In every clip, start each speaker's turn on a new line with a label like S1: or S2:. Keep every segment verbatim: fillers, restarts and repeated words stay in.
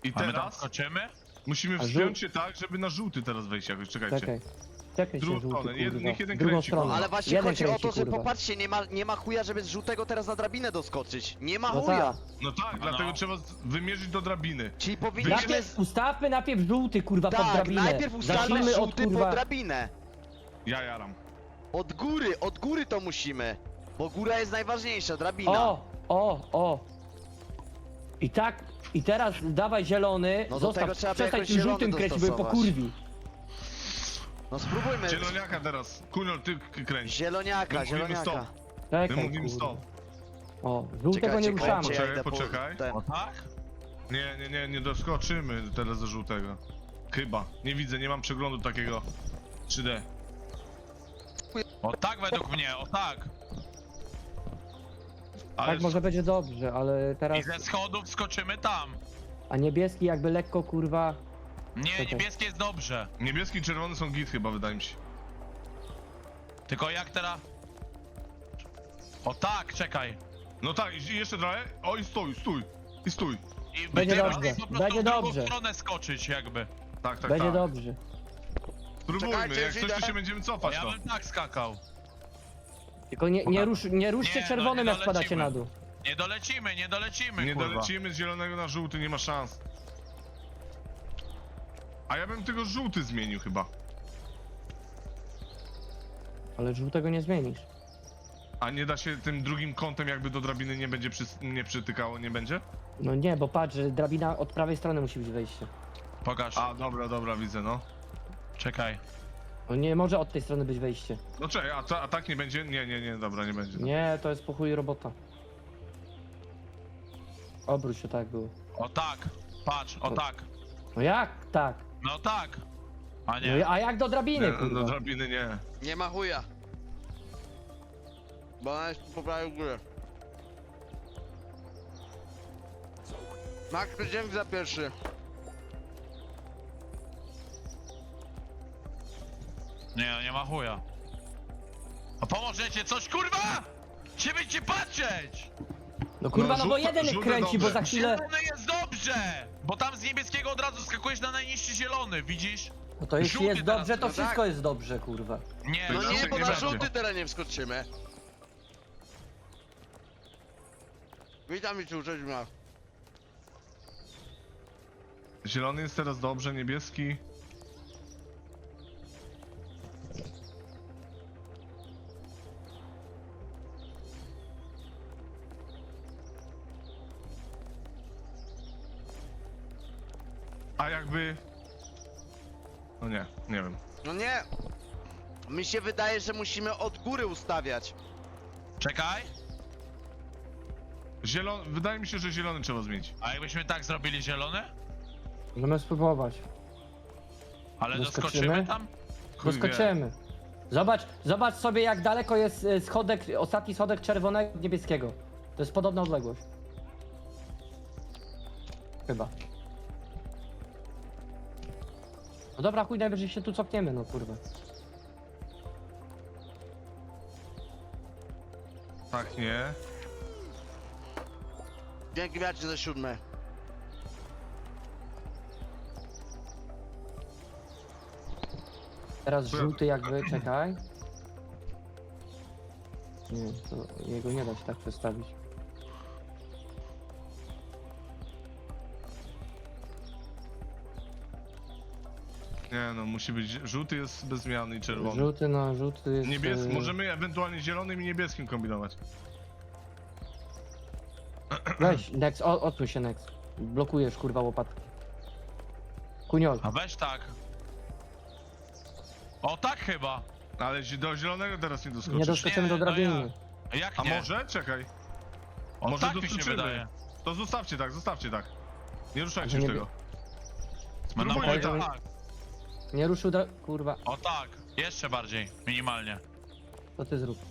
S1: I
S2: A my tam
S1: teraz
S2: skoczymy?
S1: musimy
S3: A żół-
S1: wspiąć się tak, żeby na żółty teraz wejść jakoś, czekajcie.
S3: Czekaj. Czekaj się,
S1: Drugą
S3: żółty,
S1: stronę, jed-
S3: kurwa.
S1: niech jeden
S3: Drugą
S1: kręci,
S3: stronę.
S1: kurwa.
S4: Ale właśnie
S3: Jeden
S4: chodzi o
S3: kręci,
S4: to, że
S3: kurwa.
S4: popatrzcie, nie ma, nie ma chuja, żeby z żółtego teraz na drabinę doskoczyć. Nie ma
S3: No
S4: chuja.
S3: tak.
S1: No tak,
S2: No,
S1: dlatego
S2: no.
S1: trzeba z- wymierzyć do drabiny.
S4: Czyli powinniśmy...
S3: Najpierw, ustawmy najpierw żółty, kurwa, pod
S4: Tak,
S3: drabinę.
S4: najpierw ustalmy
S3: Zacznijmy od,
S4: żółty
S3: kurwa...
S4: pod drabinę.
S1: Ja jaram.
S4: Od góry, od góry to musimy. Bo góra jest najważniejsza, drabina.
S3: O, o, o. I tak, i teraz dawaj zielony,
S4: No do tego
S3: zostaw,
S4: trzeba by
S3: przestań
S4: jakoś
S3: tym
S4: zielony
S3: żółtym kręcić, bo je
S4: dostosować.
S3: pokurwi.
S4: No spróbujmy.
S1: Zieloniaka teraz. Kunol, ty k- kręć.
S4: Zieloniaka,
S1: My mówimy
S4: zieloniaka.
S1: stop.
S3: Czekaj,
S1: My mówimy
S3: kurwa.
S1: stop.
S3: O, żółtego nie
S4: Czekajcie,
S3: ruszamy.
S4: kończę, ja
S1: Poczekaj,
S4: idę po-
S1: poczekaj.
S4: ten.
S2: O tak?
S1: Nie, nie, nie, nie doskoczymy teraz do żółtego. Chyba. Nie widzę, nie mam przeglądu takiego trzy D.
S2: O tak według mnie, o tak.
S1: Ale
S3: Tak, może będzie dobrze, ale
S2: I
S3: teraz...
S2: ze schodów skoczymy tam.
S3: A niebieski jakby lekko, kurwa...
S2: Nie,
S3: Czekaj.
S2: niebieskie jest dobrze.
S1: niebieski i czerwony są git chyba, wydaje mi się.
S2: Tylko jak teraz? O tak, czekaj.
S1: No tak, i jeszcze trochę. O i stój, stój. I stój.
S2: I
S3: Będzie
S2: będziemy
S3: dobrze,
S2: po prostu
S3: będzie
S2: w drugą
S3: dobrze.
S2: stronę skoczyć jakby.
S1: Tak, tak,
S3: będzie
S1: tak.
S3: dobrze.
S1: Spróbujmy,
S4: Czekajcie,
S1: jak
S4: już
S1: coś to
S4: idę.
S1: się będziemy
S2: O,
S1: cofać
S2: ja
S1: to.
S2: bym tak skakał.
S3: Tylko nie, nie, rusz, nie ruszcie
S2: Nie, no,
S3: czerwonym,
S2: nie
S3: jak spadacie
S2: dolecimy.
S3: na dół.
S2: Nie dolecimy, nie dolecimy,
S1: Nie
S2: kurwa.
S1: dolecimy z zielonego na żółty, nie ma szans. A ja bym tego żółty zmienił chyba.
S3: Ale żółtego nie zmienisz.
S1: A nie da się tym drugim kątem jakby do drabiny nie będzie przys- nie przytykało, nie będzie?
S3: No nie, bo patrz, że drabina od prawej strony musi być wejście.
S2: Pokaż.
S1: A, dobra, dobra, widzę, no.
S2: Czekaj.
S3: No nie może od tej strony być wejście.
S1: No czekaj, a, ta, a tak nie będzie? Nie, nie, nie, dobra, nie będzie.
S3: Nie, to jest po chuj robota. Obróć się tak było.
S2: O tak. Patrz, o tak.
S3: No jak tak?
S2: No tak. A
S3: No,
S2: nie.
S3: i- a jak do drabiny,
S1: Nie, do
S3: kurwa?
S1: drabiny nie.
S4: Nie ma chuja. Bo ona jest po prawej górę. Max, dzięki za pierwszy.
S2: Nie, nie ma chuja. A pomożecie coś, kurwa! Gdzie będziecie patrzeć?
S3: No kurwa,
S1: No,
S3: no bo
S1: żółte-
S3: jeden
S1: żółte
S3: kręci, bo
S1: dobre.
S3: za chwilę...
S2: Zielony jest dobrze! Bo tam z niebieskiego od razu skakujesz na najniższy zielony, widzisz?
S3: No to jeśli
S2: żółty
S3: jest
S2: teraz,
S3: dobrze, to
S4: no
S3: wszystko
S4: tak.
S3: jest dobrze, kurwa.
S2: Nie,
S4: No
S1: No
S4: nie,
S1: nie
S4: bo na
S1: będzie.
S4: żółty teraz nie wskoczymy. Witam i cześć ma.
S1: Zielony jest teraz dobrze, niebieski. A jakby... No nie, nie wiem.
S4: No nie. Mi się wydaje, że musimy od góry ustawiać.
S2: Czekaj.
S1: Zielony, wydaje mi się, że zielony trzeba zmienić.
S2: A jakbyśmy tak zrobili zielony?
S3: Możemy spróbować.
S2: Ale
S3: Doskoczymy?
S2: doskoczymy tam?
S1: Chuj wie.
S3: Doskoczymy. Zobacz, zobacz sobie jak daleko jest e, schodek, ostatni schodek czerwonego od niebieskiego. To jest podobna odległość. Chyba. No dobra, chuj, najwyżej się tu cofniemy, no kurwa.
S1: Tak, nie.
S4: Dzięki wiacie za siódme.
S3: Teraz żółty jakby, czekaj. Nie, to jego nie da się tak przestawić.
S1: Nie no, musi być... Żółty jest bez zmiany i czerwony.
S3: Żółty, no żółty jest...
S1: Niebieski,
S3: e,
S1: możemy ewentualnie zielonym i niebieskim kombinować.
S3: Weź, Nex, o- odsuń się Nex. Blokujesz kurwa łopatki. Kuniol.
S2: A weź tak. O tak chyba.
S1: Ale zi- do zielonego teraz nie doskoczysz.
S3: Nie doskoczymy do
S2: Nie, no
S3: drabiny.
S2: A jak
S1: A
S2: nie?
S1: może? Czekaj.
S2: O
S1: może
S2: tak mi się
S1: doskoczymy.
S2: wydaje.
S1: To zostawcie tak, zostawcie tak. Nie ruszajcie
S3: To
S1: już
S3: nie
S1: tego.
S2: Będą
S1: Spróbujmy
S2: powiedział
S1: tak.
S2: tak.
S3: Nie ruszył dra... kurwa.
S2: O tak. Jeszcze bardziej. Minimalnie.
S3: To ty zrób.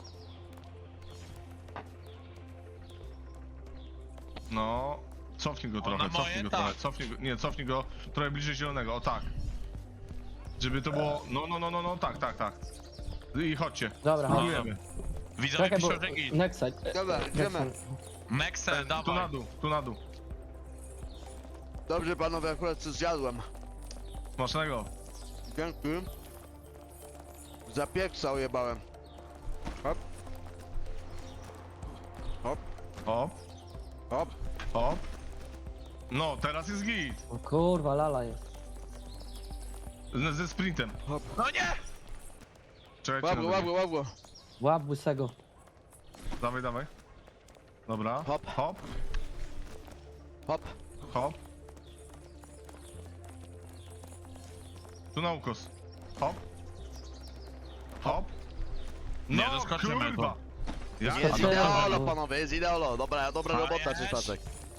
S1: No. Cofnij go
S2: O,
S1: trochę,
S2: na moje,
S1: cofnij go
S2: tak.
S1: trochę, cofnij go, nie, cofnij go trochę bliżej zielonego, o tak. Żeby to było, no, no, no, no, no, tak, tak, tak. I chodźcie,
S3: Dobra, chodź.
S1: spróbujemy.
S2: Widzowie
S3: Czekaj, bo...
S2: piszą, że git.
S3: Nexa.
S4: Dobra, idziemy.
S3: Nexa.
S2: Nexel,
S1: Tu na
S2: dawaj.
S1: dół, tu na dół.
S4: Dobrze panowie, akurat coś zjadłem.
S1: Smacznego.
S4: Dzięki. Za pieksa ojebałem. Hop. Hop,
S1: O,
S4: hop.
S1: o. No, teraz jest git.
S3: O kurwa, lala jest.
S1: Z, ze sprintem.
S2: No nie!
S1: Czekajcie
S4: Łap go,
S1: na
S4: łap go,
S1: drugi.
S4: łap go.
S3: Łap łysego.
S1: Dawaj, dawaj. Dobra.
S4: Hop.
S1: Hop,
S4: Hop.
S1: hop. Tu na ukos. Hop. Hop. No,
S2: Nie doskoczymy
S1: kurwa. Ja
S4: Jest
S3: to-
S4: ideolo panowie, jest ideolo. Dobra, dobra
S2: A,
S4: robota
S2: jest.
S4: czystaczek.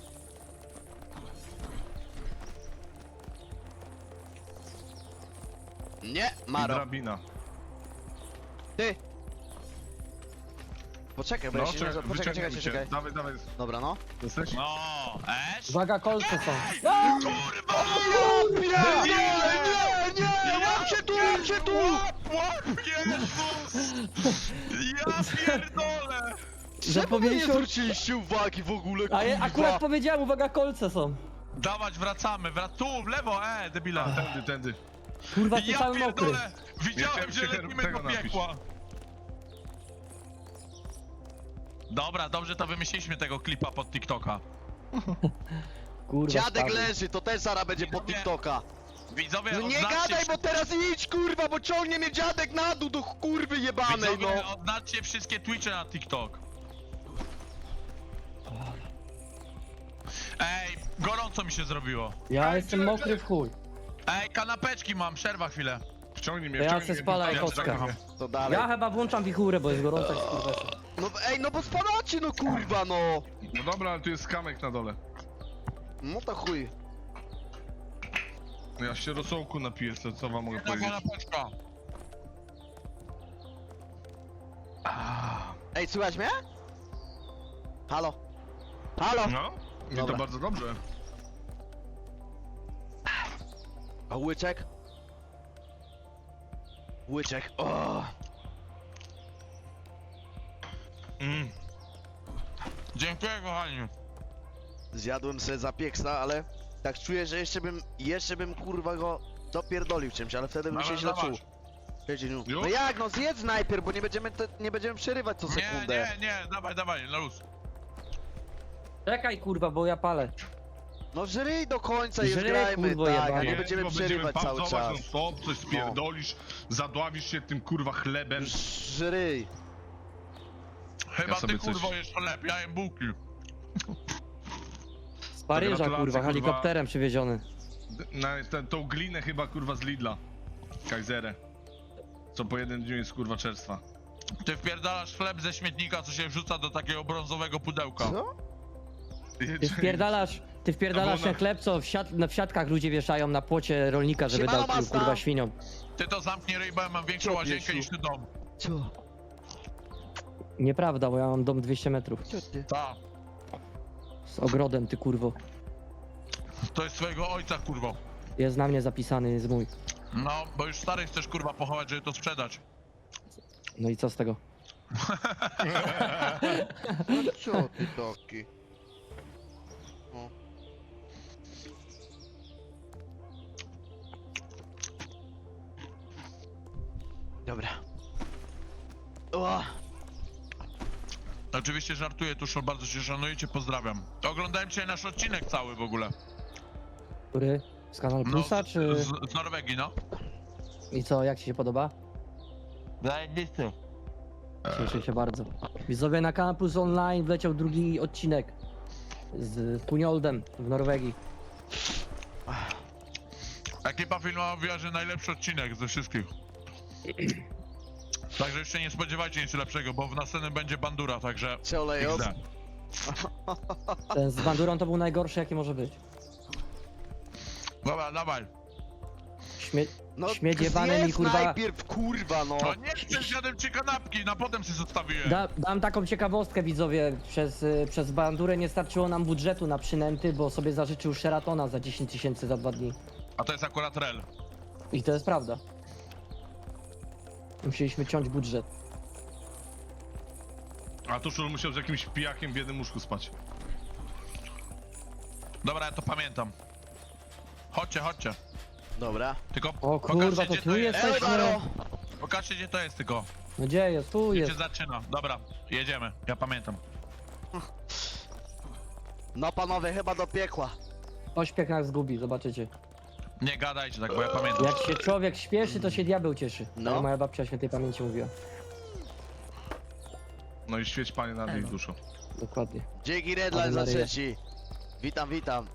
S4: Nie,
S1: I
S4: Maro.
S1: drabina.
S4: Ty. Poczekaj, bo
S1: No,
S4: ja się nie...
S1: czekaj,
S4: Poczekaj, czekaj,
S1: wyciągnijmy
S4: czekaj.
S1: cię. Dawaj, dawaj.
S4: Dobra, no.
S1: Jesteś?
S2: No, Esz?
S3: Uwaga, kolce są.
S2: Kurwa!
S4: Nie, nie, nie, nie, łapcie tu, łapcie tu!
S2: Łap, łap, Jezus! Ja pierdolę!
S4: Czemu wy nie
S3: Zapowiedział-
S4: zwróciliście uwagi w ogóle,
S3: A ja
S4: kurwa?
S3: akurat powiedziałem, uwaga, kolce są.
S2: Dawać, wracamy, wrac tu, w lewo, e, debila.
S1: Tędy, tędy.
S3: Kurwa, ty
S2: Ja
S3: cały mokry.
S2: pierdolę! Widziałem,
S1: chciałem
S2: że
S1: się
S2: lecimy
S1: tego
S2: do
S1: napić.
S2: piekła. Dobra, dobrze to wymyśliliśmy tego klipa pod TikToka.
S3: Kurwa,
S4: Dziadek
S3: spadł.
S4: leży, to też zaraz będzie pod
S2: Nie.
S4: TikToka.
S2: Widzowie,
S4: No nie
S2: odznaczcie
S4: gadaj,
S2: wszy-
S4: bo teraz idź, kurwa, bo ciągnie mnie dziadek na dół do kurwy jebanej,
S2: Widzowie,
S4: no.
S2: odznaczcie wszystkie Twitche na TikTok. Ej, gorąco mi się zrobiło.
S3: Ja
S1: Ej,
S3: jestem
S1: czekaj,
S3: mokry w chuj.
S2: Ej, kanapeczki mam, przerwa chwilę.
S1: Wciągnij mnie,
S3: Ja
S1: wciągnij
S3: se
S1: mnie.
S3: spalaj
S1: Ja
S3: kostkę.
S1: wciągnę.
S4: To dalej.
S3: Ja chyba włączam wichurę, bo jest gorąco jak skurwesy.
S4: No ej, no bo spadacie, no kurwa, no.
S1: No dobra, ale tu jest kamek na dole.
S4: No to chuj.
S1: No ja się rosołku napiję, co, co wam mogę
S2: Jedna
S1: powiedzieć.
S2: kanapeczka.
S4: Ej, słychać mnie? Halo? Halo?
S1: No, i to
S4: Dobra.
S1: bardzo dobrze.
S4: A łyczek? Łyczek, o.
S1: Mm.
S2: Dziękuję, kochani.
S4: Zjadłem sobie zapieksa, ale tak czuję, że jeszcze bym, jeszcze bym kurwa go dopierdolił czymś, ale wtedy bym się
S2: Dawaj,
S4: źle
S2: dawaj.
S4: czuł. Wiecie, no.
S1: Już?
S4: No jak, no zjedz najpierw, bo nie będziemy, te, nie będziemy przerywać co
S2: Nie,
S4: sekundę.
S2: nie, nie, dawaj, dawaj, na luz.
S3: Czekaj, kurwa, bo ja palę.
S4: No żryj do końca i już
S3: Żryj,
S4: grajmy,
S3: kurwo,
S4: tak, a
S3: jebany.
S4: nie
S1: Nie,
S4: będziemy
S1: bo
S4: przerywać cały
S1: pauzować
S4: czas.
S1: non stop, coś spierdolisz, zadławisz się tym kurwa chlebem.
S4: Żryj.
S2: Chyba
S1: Ja sobie
S2: ty,
S1: coś-
S2: kurwo, jesz chleb, ja jem bułki.
S3: Z Paryża,
S1: gratulacje,
S3: kurwa,
S1: kurwa.
S3: helikopterem przywieziony.
S1: Na tę- tą glinę chyba kurwa z Lidla. Kajzerę. Co po jednym dniu jest kurwa czerstwa.
S2: Ty wpierdalasz chleb ze śmietnika, co się wrzuca do takiego brązowego pudełka.
S4: Co?
S3: Ty wpierdalasz, ty wpierdalasz
S1: To było
S3: ten
S1: na-
S3: chleb, co w, siat, na, w siatkach ludzie wieszają na płocie rolnika, żeby
S4: Siemano,
S3: dał
S4: Masta.
S3: kurwa świniom.
S2: Ty to zamknij ryj, bo ja mam większą
S4: Co,
S2: łazienkę
S4: piesiu?
S2: niż ty dom.
S4: Co?
S3: Nieprawda, bo ja mam dom dwieście metrów.
S4: Co ty?
S2: Ta,
S3: Z ogrodem, ty kurwo.
S2: to jest twojego ojca, kurwo.
S3: Jest na mnie zapisany, jest mój.
S2: No, bo już stary chcesz, kurwa, pochować, żeby to sprzedać.
S3: No i co z tego?
S4: No co ty taki? O. Dobra. O,
S2: Oczywiście żartuję, Tuszol, bardzo cię szanuję, cię pozdrawiam. Oglądałem dzisiaj nasz odcinek cały w ogóle.
S3: Który? Z Kanal Plusa,
S2: z,
S3: czy...
S2: z, z Norwegii, no.
S3: I co, jak ci się podoba?
S2: Zajebisty.
S3: Cieszę się bardzo. Widzowie, na Kanal Plus Online wleciał drugi odcinek z Punioldem w Norwegii.
S2: Ekipa filmowa mówiła, że najlepszy odcinek ze wszystkich. Także jeszcze nie spodziewajcie nic lepszego, bo w następnym będzie bandura, także...
S4: co olejos?
S2: X D.
S3: Ten z Bandurą to był najgorszy, jaki może być.
S2: Dobra, dawaj.
S3: Śmie...
S4: No
S3: Śmieć jebany mi,
S4: zjedz
S3: kurwa.
S4: najpierw, kurwa, no.
S2: To nie chcę zjadłem ci kanapki, na potem sobie zostawiłem.
S3: Da, dam taką ciekawostkę, widzowie. Przez, y, przez Bandurę nie starczyło nam budżetu na przynęty, bo sobie zażyczył Sheratona za dziesięć tysięcy za dwa dni.
S2: A to jest akurat rel.
S3: I to jest prawda. Musieliśmy ciąć budżet.
S1: A Tuszul musiał z jakimś pijakiem w jednym łóżku spać.
S2: Dobra, ja to pamiętam. Chodźcie, chodźcie.
S4: Dobra.
S2: Tylko
S3: O kurwa,
S2: pokażcie,
S3: to
S2: gdzie
S3: tu
S2: to jest.
S3: jesteśmy.
S4: Eldaro!
S2: Pokażcie, gdzie to jest tylko.
S3: No gdzie jest? Tu
S2: Gdzie
S3: jest.
S2: się zaczyna. Dobra, jedziemy. Ja pamiętam.
S4: No panowie, chyba do piekła.
S3: Ośpiech nas zgubi, zobaczycie.
S2: Nie gadajcie tak, bo ja pamiętam.
S3: Jak się człowiek śpieszy, to się diabeł cieszy.
S4: No.
S3: No. Moja babcia świętej pamięci mówiła.
S1: No i świeć panie nad ich duszą.
S3: Dokładnie.
S4: Dzięki Redline
S3: Ale
S4: za
S3: Maryja.
S4: trzeci. Witam, witam.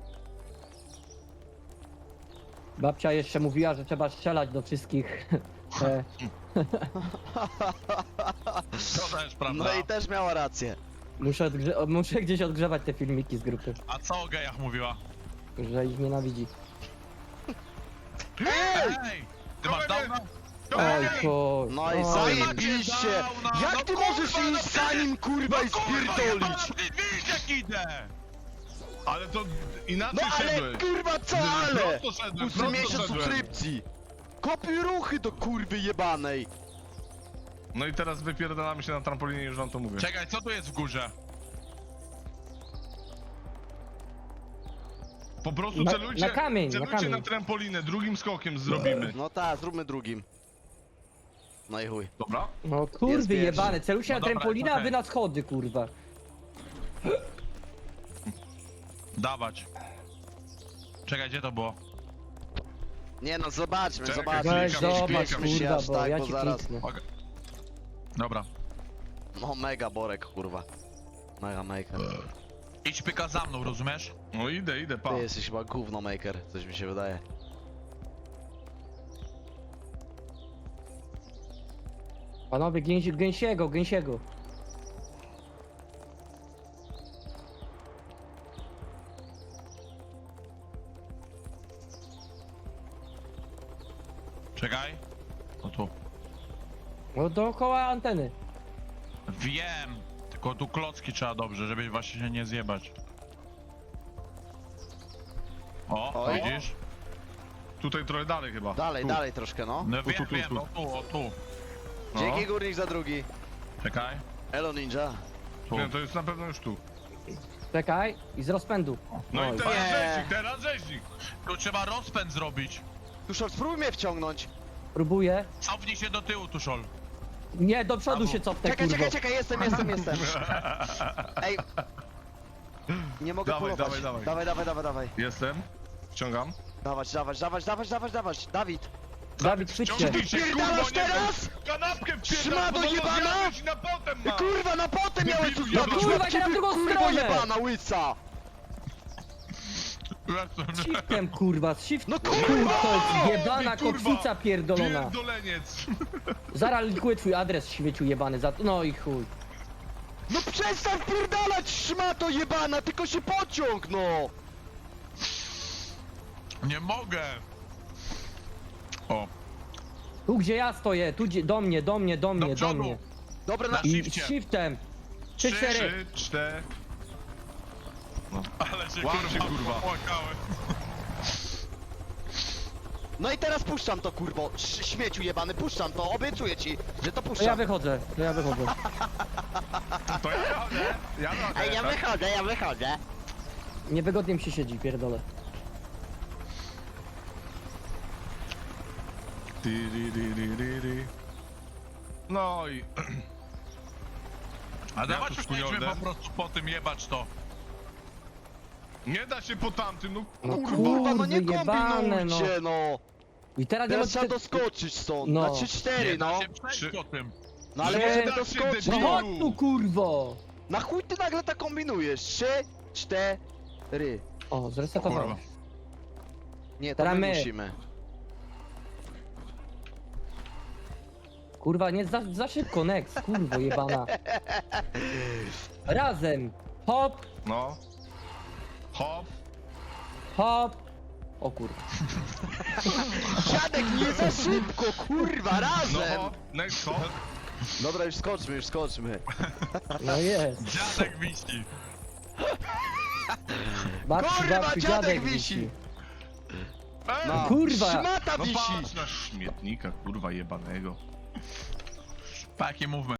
S3: Babcia jeszcze mówiła, że trzeba strzelać do wszystkich. E,
S2: To też prawda.
S4: No i też miała rację.
S3: muszę, odgrze- muszę gdzieś odgrzewać te filmiki z grupy,
S2: A co o gejach mówiła?
S3: że ich nienawidzi.
S2: Ej! Ty masz downa?
S3: Oj, ko...
S4: No i
S3: oj.
S4: zajebiście!
S2: Downa!
S4: Jak
S2: No
S4: ty
S2: kurwa,
S4: możesz
S2: no
S4: iść
S2: ty-
S4: za nim, kurwa, i
S2: Kurwa, jebana,
S4: spierdolić?
S2: ty widzisz jak idę!
S1: Ale to inaczej
S4: No ale
S1: szedłeś.
S4: kurwa co ale?
S1: Prosto szedłem,
S4: Ósmy
S1: prosto
S4: miesiąc
S1: szedłem.
S4: subskrypcji. Kopiuj ruchy do kurwy jebanej.
S1: No i teraz wypierdalamy się na trampolinie, już wam to mówię.
S2: Czekaj, co tu jest w górze?
S1: Po prostu
S3: Na-
S1: celujcie,
S3: na kamień, na
S1: celujcie
S3: kamień.
S1: na trampolinę, drugim skokiem zrobimy.
S4: No tak, zróbmy drugim. No i chuj.
S1: Dobra?
S3: No
S4: Jest
S3: kurwy
S4: pierwszy.
S3: jebane, celuj się
S2: No
S3: na
S2: dobra,
S3: trampolinę, a
S2: okej.
S3: wy na schody, kurwa.
S2: Dawać. Czekaj, gdzie to było?
S4: Nie no, zobaczmy,
S1: Czekaj,
S4: zobaczmy.
S3: Weź
S1: klikam,
S3: zobacz,
S1: klikam
S4: się
S3: kurwa,
S4: aż
S3: bo
S4: tak,
S3: ja
S4: bo
S3: ci
S4: zaraz-
S3: kliknę.
S2: Okej. Dobra.
S4: No mega borek, kurwa. Mega maker.
S2: Idź pyka za mną, rozumiesz?
S1: No idę, idę, pa.
S4: Ty jesteś chyba gówno maker, coś mi się wydaje.
S3: Panowie, gęsi, gęsiego, gęsiego.
S2: Czekaj. O tu.
S3: No dookoła anteny.
S2: Wiem. Tylko tu klocki trzeba dobrze, żeby właśnie się nie zjebać. O,
S4: Oj.
S2: widzisz?
S1: Tutaj trochę dalej chyba.
S4: Dalej,
S1: tu.
S4: dalej troszkę, no.
S2: No
S1: Tu,
S2: wiem,
S1: tu, tu,
S2: wiem,
S1: tu.
S2: no tu, o tu.
S1: No.
S4: Dzięki górnik za drugi.
S2: Czekaj.
S4: Elo ninja.
S2: Tu.
S1: Nie, to jest na pewno już tu.
S3: Czekaj, i z rozpędu.
S1: No
S3: Oj.
S1: i teraz
S4: Nie.
S1: rzeźnik, teraz rzeźnik.
S2: Tu trzeba rozpęd zrobić.
S4: Tuszol, spróbuj mnie wciągnąć.
S3: Próbuję.
S2: Cofnij się do tyłu, Tuszol.
S3: Nie, do przodu
S2: Albo-
S3: się cofnę,
S4: Czekaj,
S3: kurwo.
S4: czekaj, czekaj, jestem, jestem, jestem. Ej. Nie mogę
S1: Dawaj,
S4: polować.
S1: dawaj, dawaj.
S4: Dawaj, dawaj, dawaj, dawaj.
S1: Jestem. Wciągam.
S4: Dawać, dawać, dawać, dawać, dawać, dawać. Dawid.
S3: Dawid, chwyć się.
S1: Wciągnij się, kurwa,
S4: Pierdalasz
S1: nie
S4: teraz?
S1: wiem. Kanapkę
S4: Szmato
S1: wpierdam, bo
S4: jebana?
S1: zjadłeś i na potem ma.
S4: Kurwa, na potem miałeś tu
S1: Debilu,
S4: zdobyć
S3: kurwa,
S4: łapki,
S3: idę na drugą
S4: kurwo
S3: stronę.
S4: jebana, łyca.
S3: Shiftem, kurwa, z shift.
S4: No
S3: Kurwa,
S4: kurwa!
S3: to jest jebana
S1: Ty, kurwa,
S3: kotwica pierdolona.
S1: Pierdoleniec.
S3: Zaraz likuję twój adres, śmieciu jebany, za... No i chuj.
S4: No przestań pierdalać, szmato jebana, tylko się pociąg, no.
S2: Nie mogę. O,
S3: Tu gdzie ja stoję, tu gdzie... Do mnie, do mnie, do mnie, do
S2: przodu.
S3: mnie.
S4: Dobra, na...
S2: Na
S3: I z
S2: shifcie.
S3: shiftem. Trzy,
S2: Trzy,
S3: cztery.
S1: Trzy, cztery.
S2: ale się
S1: Łap
S2: kurwa,
S1: się, kurwa.
S2: popłakałem.
S4: No i teraz puszczam to, kurwo, Sz- śmieciu jebany, puszczam to, obiecuję ci, że to
S3: To ja
S4: puszczam.
S3: wychodzę, to ja wychodzę.
S1: To ja wychodzę. Ja wychodzę.
S4: Ej, ja
S1: tak?
S4: wychodzę, ja wychodzę.
S3: Niewygodnie mi się siedzi, pierdolę.
S1: Ty, ry, ry, ry, ry, ry. No i...
S2: A dawać
S1: tu
S2: już
S1: chujowe.
S2: jedźmy po prostu po tym jebać to.
S1: Nie da się po tamtym, no
S3: No
S1: kurwa.
S4: Kurwa, no nie
S3: Kurwy jebane, no.
S4: kombinujcie, no.
S3: I teraz nie
S4: Teraz
S3: ma...
S4: trzeba doskoczyć stąd,
S3: No.
S4: na trzy cztery,
S2: Nie da
S4: no.
S2: się przejść
S1: Trzy-
S2: po tym.
S4: No ale
S3: Nie
S4: możemy
S1: da się,
S4: doskoczyć.
S1: debilu.
S3: No chodź tu, kurwo!
S4: Na chuj ty nagle tak kombinujesz? Trzy, cztery.
S3: O, zresetowałem.
S2: Kurwa.
S4: Nie, to
S3: Teraz
S4: my
S3: my.
S4: musimy.
S3: Kurwa, nie za, za szybko, next, kurwo jebana. Razem. Hop,
S1: No. Hop.
S3: hop. O kurwa.
S4: Dziadek, nie za szybko, kurwa,
S1: No
S4: razem!
S1: hop. Next hop.
S4: Dobra, już skoczmy, już skoczmy.
S3: No jest.
S2: Dziadek wisi.
S3: Babci,
S4: Kurwa,
S3: babci,
S4: dziadek
S3: dziadek
S4: wisi.
S3: wisi.
S1: Ej,
S4: No.
S3: Kurwa.
S4: Szmata
S1: no
S4: wisi!
S1: patrz na śmietnika, kurwa jebanego.
S2: Taki movement.